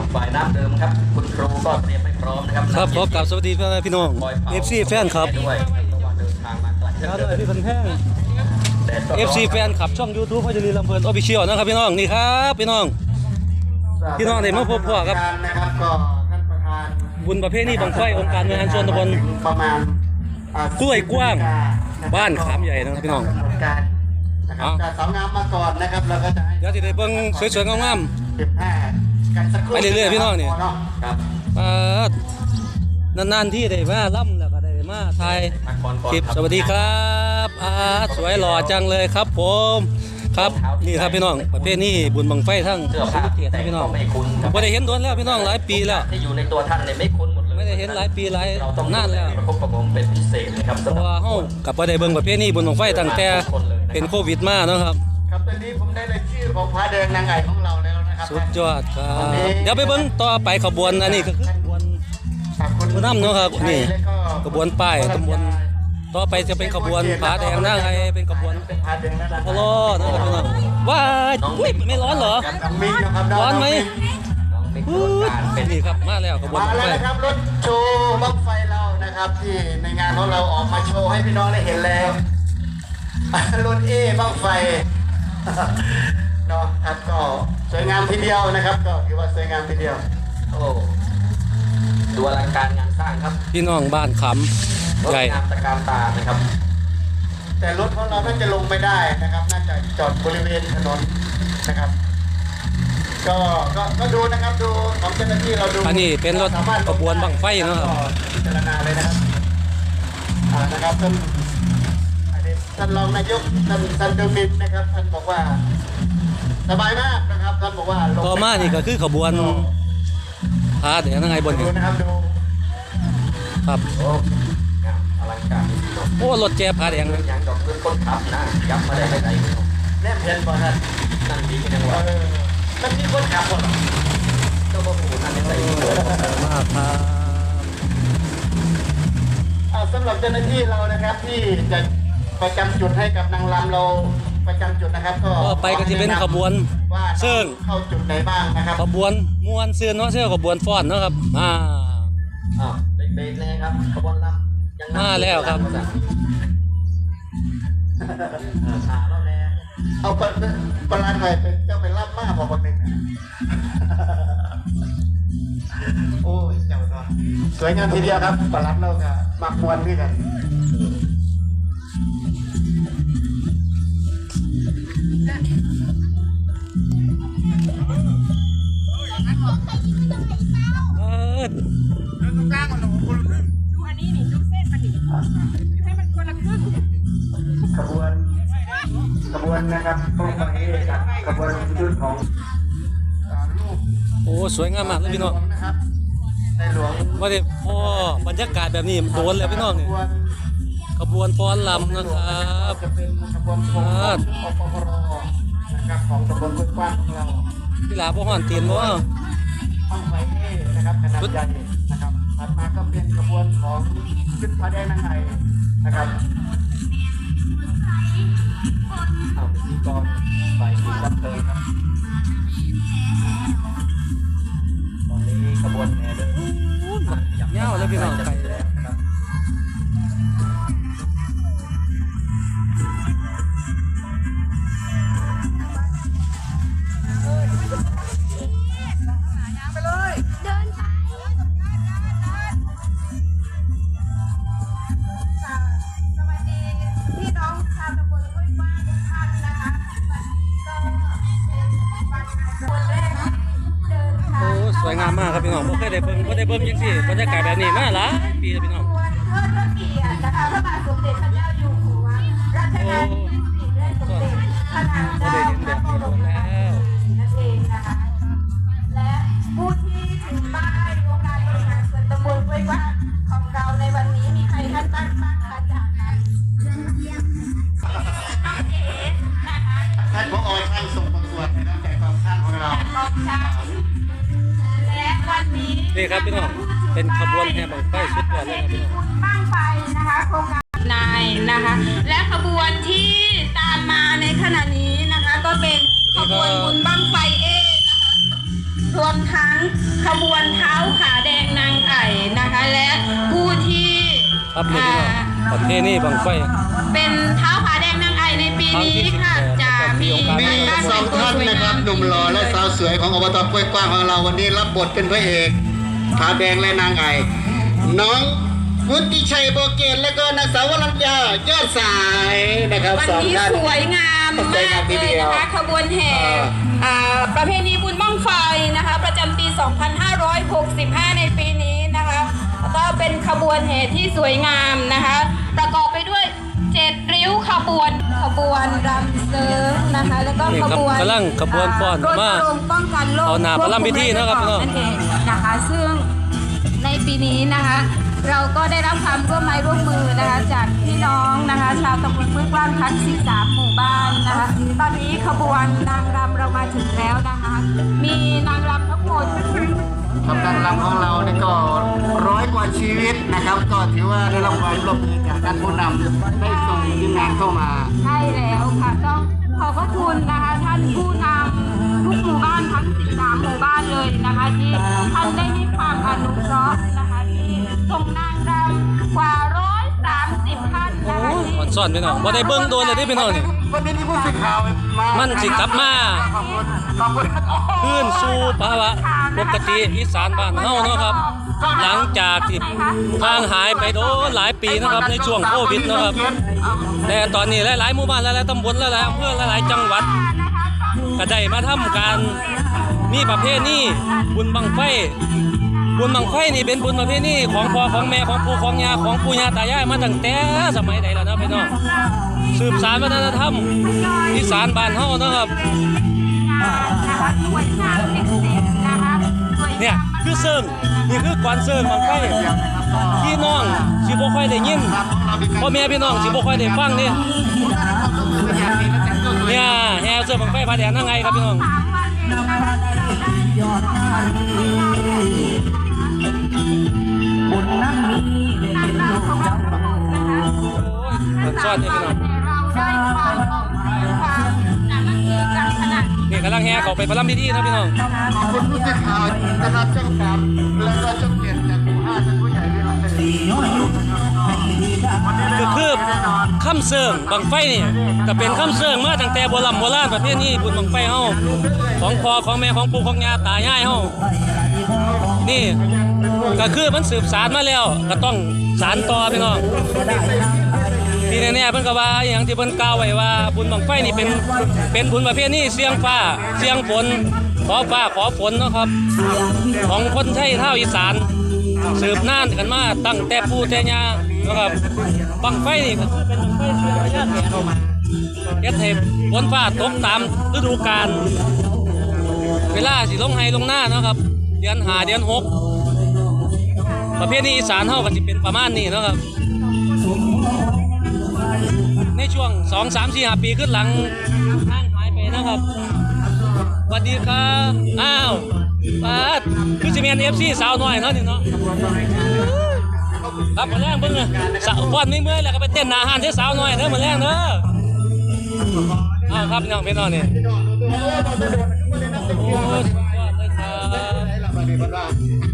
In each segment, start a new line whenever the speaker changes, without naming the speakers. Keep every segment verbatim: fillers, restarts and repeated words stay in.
ฝ่ายน้ำเดิมครับคุณครูก็เตรียมไม่พร้อมนะครับ
ครับขอกราบสวัสดีพี่น้องเอฟซีแฟนครับ
ด้วยระหว่างเดินทางมาไกล
ครับด้วยพี่พันแพงเอฟซีแฟนครับช่อง YouTube พ่อจรีลำเพลินออฟฟิเชียลนะครับพี่น้องนี่ครับพี่น้องพี่น้องได้มาพบพ่อครับ
นะครับก็ท่านประธาน
บุญประเภทนี้บังไฟองค์การบริหารส่วนตำบล
ประมาณ
กล้วยกว้างบ้านขามใหญ่นะครับพี่น้อง
นะครับแต่สาวงามมาก่อนนะครับเราก็จะ
เดี๋ยวจะได้เบิ่งสวยๆงาม
สิบห้ากันสักครู่
ไปเรื่อยๆพี่น้องนี่
ครับ
นานๆที่ได้มาล่ำแล้วก็ได้มาถ่ายคลิปสวัสดีครับอาสวยหล่อจังเลยครับผมครับนี่ครับพี่น้องประเภทนี้บุญบังไฟทั้ง
เสื้อผ้า
เกียรติพี่น้องไม่ได้เห็นโดนแล้วพี่น้องหลายปีแล้ว
ที่อยู่ในตัวท่านเนี่ยไม่คุ้นหมดเลย
ไม่ได้เห็นหลายปีหลายนานแล้ว
ประคบประงมเป็นพิเศษนะครับ
เพราะว่าเฮากับบ่ได้เบิ่งประเภทนี้บุญบังไฟตั้งแต่เป็นโควิดมาเนาะครับ
ครับตอนนี้ผมได้รายชื่อของพระแดงนางไก่ของเราแล้วนะครับ
สุดยอดครับเดี๋ยวไปเบิ่งต่อไปขบวนอันนี้ก็คือขบวนผู้นำเนาะครับนี่ขบวนป้ายตำบลต่อไปจะเป็นขบวนผาแดงนางไก่เป็นขบวนพะโล้นะครับพี่น้องว้ายอุ้ยไม่ร้อนเหรอร้อนไหมเป็นนี่ครับมาแล้วขบวน
มาแล้วนะครับรถโชว์บั้งไฟเรานะครับที่ในงานของเราออกมาโชว์ให้พี่น้องได้เห็นแล้วรถเอบั้งไฟเนาะครับก็สวยงามทีเดียวนะครับก็ถือว่าสวยงามทีเดียว
โอ้ดูอลังการงานสร้างครับ
พี่น้องบ้านขำใหญ่
งามตะการตานะครับ
แต่รถของเราน่าจะลงไม่ได้นะครับน่าจะจอดบริเวณถนนนะครับก็ก็ก็ดูนะครับดูของเจ้าหน้าที่เราดู
อันนี้เป็นรถขบวนบั้งไฟเนาะครับ
พิจารณาเลยนะครับอ่านะครับท่านท่านรองนายกท่านท่านเดมิดนะครับท่านบอกว่าสบายมากนะครับท่านบอกว่า
ต่อมานี่ก็คือขบวนพาเดี๋ยวนั่งไงบน
ดูนะครับดู
ครับ
โอ้อลังการ
โอ้รถแจ๊บพาแดง
อย่างดอกเงินคนขับนะยับมาได้ไม่ได้
แนบเห็นบ่ท่าน
นั่นดีกันยังวะ
มันมีคนขับบ่
เจ้าพ่อปู่นั่นได้ใส่
มากครับ
สำหรับเจ้าหน้าที่เรานะครับที่จะประจำจุดให้กับนางรำเราประจำจุดนะครับก็
ไปก็จะเป็นขบวนเสื่อง
เข้าจุดไหนบ้างนะครับ
ขบวนมวนเสื่อเนาะเสื่อขบวนฟ้อนเนาะครับอ่า
อ่าเบรกๆเลยครับขบวนรำ
ยังมาแล้วครับ
ขาแล้วแน่
เอาปปลาไทยเป็นเจ้าไปรับมากพอคนหนึ่งโอ้ยเจ้าเนาะสวยงามทีเดียวครับปลาเราค่ะมักมวนด้วยกัน
เดินตรงกลางมันหนูคนละครึ่งดูอันนี้นี่ดูเส้นมันดิให้มันคนละครึ่ง
ขบวนขบวนนะครับพวกนี้กับขบวนชุดของลูก
โอ้สวยงามมากเลยพี่น้อง
นะครับในหลวง
ว่าเด็พ่อบรรยากาศแบบนี้โดนแล้วพี่น้องนี่ขบวนฟ้อนลำนะครับ
จะเป็นขบวนของอปพรนะครับของตำบลห้วยกว้างของเรา
พี่หลาพ่อห่อนเตียนว่า
ห้องไฟเอนะครับขนาดใหญ่นะครับถัดมาก็เป็นขบวนของชุดพระแดงนางไก่นะครับ
เอาพิธีกรฝ่ายศิลป์รับเชิญครับตอนนี้ขบวนแห่เดิน
เงาเลยพี่น้องไป
แล้วนะครับ
สวยงามมากครับพี่น้องบ่เคยได้เบิ่งบ่ได้เบิ่งจังซี่บรรยากาศแบบนี้มาหลายปีแล้วพี่น้อง
เทิดพระเกียรตินะคะพระบาทสมเด็จพระเจ้าอยู่หัวรัชกาลที่สี่ได้สมเด็จพระนางเจ้าพระบรมราชินีนั่นเองนะคะและผู้ที่ถือป้ายองค์การบริหารส่วนตำบลห้วยกว้างของเราในวันนี้มีใครท่านบ้างบ้างคะจากนั้นน้องเอ๋นะคะ
ท่านผอท่านส่งประกวดในน้ำใจความสร้างของเรา
นี่ครับพี่น้องเป็นขบวนแห่บั้งไฟสุดยอดเลยครับพี่น้อง
บั้งไฟนะคะโครงการนายนะคะและขบวนที่ตามมาในขณะนี้นะคะก็เป็นขบวนบุญบั้งไฟเอนะคะรวมทั้งขบวนเท้าขาแดงนางไอ่นะคะและผู้ที่
ครับนี่พี่น้องประเพณีบังไฟ
เป็นเท้าขาแดงนางไอ่ในปีนี้ค่ะจะมี
มีสองท่านนะครับหนุ่มหล่อและสาวสวยของอบตกล้วยกว้างของเราวันนี้รับบทเป็นพระเอกผาแดงและนางไอ่น้องวุฒิชัยโบเกตและก็นางสาววรัญญายอดสายนะครับ
วัน
สอง
นี้
ท่าน
สวยงามมากเลยนะคะขบวนแห่อ่าประเพณีบุญบั้งไฟนะคะประจำปี สองพันห้าร้อยหกสิบห้า ในปีนี้นะคะก็เป็นขบวนแห่ที่สวยงามนะคะประกอบไปด้วยเจ็ดริ้วขบวนขบวนรำเสริงนะคะแล้วก็ขบวน
กำลังขบวนฟ้อน
รณ
มา
รงค์ป้องกันโรค
เอาหน้าพระรำพิธีนะครับพี่น้อง
นั่นเองนะคะซึ่งในปีนี้นะคะเราก็ได้รับความร่วมไม้ร่วมมือนะคะจากพี่น้องนะคะชาวตำบลห้วยกว้างทั้งสิบสามหมู่บ้านนะคะตอนนี้ขบวนนางรำเรามาถึงแล้วนะคะมีนางรำทั้งหมด
กำลังรำของเรานี่ก็ร้อยกว่าชีวิตนะครับ ก็ถือว่าได้รับความร่วมมือจากท่านผู้นำได้ส่งทีมงานเข้ามา
ใช่แล้วค่ะต้องขอบพระคุณนะคะท่านผู้นำทุกหมู่บ้านทั้งสิบสามหมู่บ้านเลยนะคะที่ท่านได้ให้ความอนุเคราะห์นะคะที่ส่งนางรำกว่าร้อยสามสิบท่านนะคะที่
อ่อนซ่อนพี่น้องบ่ได้เบิ่งโดนเลยเด้พี่น้องนี่
วันนี้มีผู้สื่อข่าวมา
มั
มัน
สิกลับมา
ขอบคุณขอบคุณโอ้โห
คืนสู่ภาวะปกติอีสานบ้านเฮาเนาะครับ หลังจากที่ห่างหายไปโดนหลายปีนะครับในช่วงโควิดนะครับแต่ตอนนี้หลายๆหมู่บ้านหลายๆตำบลหลายๆอำเภอหลายๆจังหวัดก็ได้มาทำการมีประเพณีบุญบังไฟบุญบังไฟนี่เป็นบุญประเพณีของพ่อของแม่ของปู่ของย่าของปู่ย่าตายายมาตั้งแต่สมัยใดแล้วนะพี่น้องสืบสานวัฒนธรรมอีสานบ้านเฮานะครับเนี่ยคือเซิงนี่คือกวนเซิงบังไฟพี่น้องสิบ่ค่อยได้ยินพ่อแม่พี่น้องสิบ่ค่อยได้ฟังนี่เนี่ยแห่เซิงบังไฟผาแดงนั่งไงครับพี่น้องมันซ่อนนี่พี่น้องนี่กำลังแห่เขาไปประลำพิธีนะพี่น้อง
ขอบคุณผู้สื่อข่าวนะครับช่องสามและก็ช่องเจ็ดจากหมู่ห้าท่านผู้ใหญ่ที่เราได้
ก็คือคำเสิร์งบังไฟนี่ก็เป็นคำเสิร์งมาตั้งแต่โบราณโบราณประเภทนี้บุญบังไฟเฮาของพ่อของแม่ของปู่ของย่าตายายเฮานี่ก็คือมันสืบสานมาแล้วก็ต้องสานต่อพี่น้องที่แน่ๆเพิ่นก็ว่าอย่างที่เพิ่นกล่าวไว้ว่าบุญบังไฟนี่เป็นเป็นบุญประเภทนี้เสียงฟ้าเสียงฝนขอฟ้าขอฝนเนาะครับของคนไทยเท่าอีสานสืบนานกันมาตั้งแต่ปู่แต่ย่านะครับบังไฟนี่ก็คือเป็นบังไฟเสียงพญาแถนเฮ็ดให้ฝนฟ้าตกตามฤดูกาลเวลาสิลงไห้ลงหน้าเนาะครับเดือนห้าเดือนหกประเภทนี้อีสานเฮาก็สิเป็นประมาณนี้เนาะครับในช่วงสอง สาม สี่ ห้าปีขึ้นหลังห่างหายไปนะครับสวัสดีครับอ้าวปาดคือสิแม่น เอฟ ซี สาวน้อยเนาะนี่เนาะครับมาแรงเบิ่งนะสาวฟ้อนไม่เมื่อยแล้วก็ไปเต้นหน้าห้านที่สาวน้อยเด้อมาแรงเด้ออ้าวครับพี่น้องพี่น้องนี่โอ้ยสุดยอดเลยครับ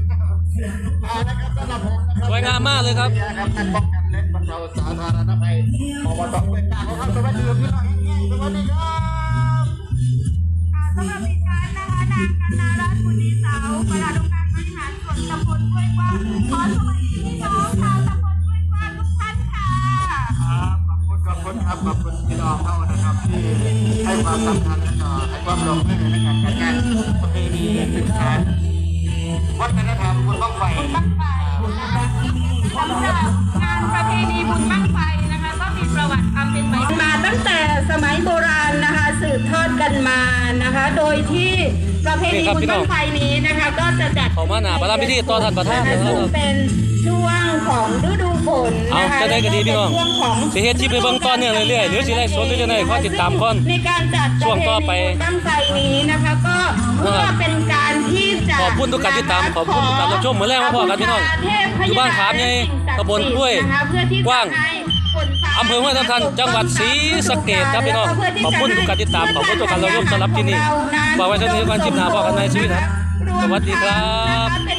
สวยงามมากเลยครับ
ครับท่านป้องกันและบรรเทาสาธารณภัยอบตกล้วยกว้างของเราสวัสดีพี่น้องสวัสดีครับ
สำหรับดิฉันนะคะนางกันนารัตน์บุญดีเสาประธานองค์การบริหารส่วนตำบลห้วยกว้างขอสวัสดีพี่น้องชาวตำบลห้วยกว้างทุกท่านค่ะ
ขอบคุณขอบคุณครับขอบคุณพี่น้องเขานะครับที่ให้ความสำคัญและก็ให้ความร่วมมือในการจัดงานประเพณีสืบสานวัฒนธรรมบุญบั้งไฟ
บั้งไฟนะคะสำหรับงานประเพณีบุญบั้งไฟนะคะก็มีประวัติความเป็นมามาตั้งแต่สมัยโบราณนะคะสืบทอดกันมานะคะ โดยที่ประเพณีบุญบั้งไฟนี้นะคะก็จะจัด
เขามาหน้าประลำพิธีต่อท่านประธานนะครับ
ซึ่งเป็นช่วงของฤดูฝน
เอา
นะคะ
จะได้ก็ดีพี่น้อง
ช่วงของ
สิเฮ็ดคลิปไปเบิ่งต่อเนื่องเรื่อยๆหรือสิไลฟ์สดหรือจังได๋ขอติดตามก่อน
ในการจัด
ช่วงต่อไป
บั้งไฟนี้นะคะก็เพื่อเป็นการที่จะ
ขอบคุณทุกการติดตามขอบคุณทุกการรับชมมื้อแรกมาพอกันพี่น้องอยู่บ้านขามใหญ่ตำบลห้วยกว้างอำเภอห้วยทับทันจังหวัดศรีสะเกษครับพี่น้องขอบคุณทุกการติดตามขอบคุณทุกการรับชมสำหรับที่นี่ฝากไว้เท่านี้ก่อนคลิปหน้าพบกันในชีวิตครับ
ร
สวัสดีครับ
เป็น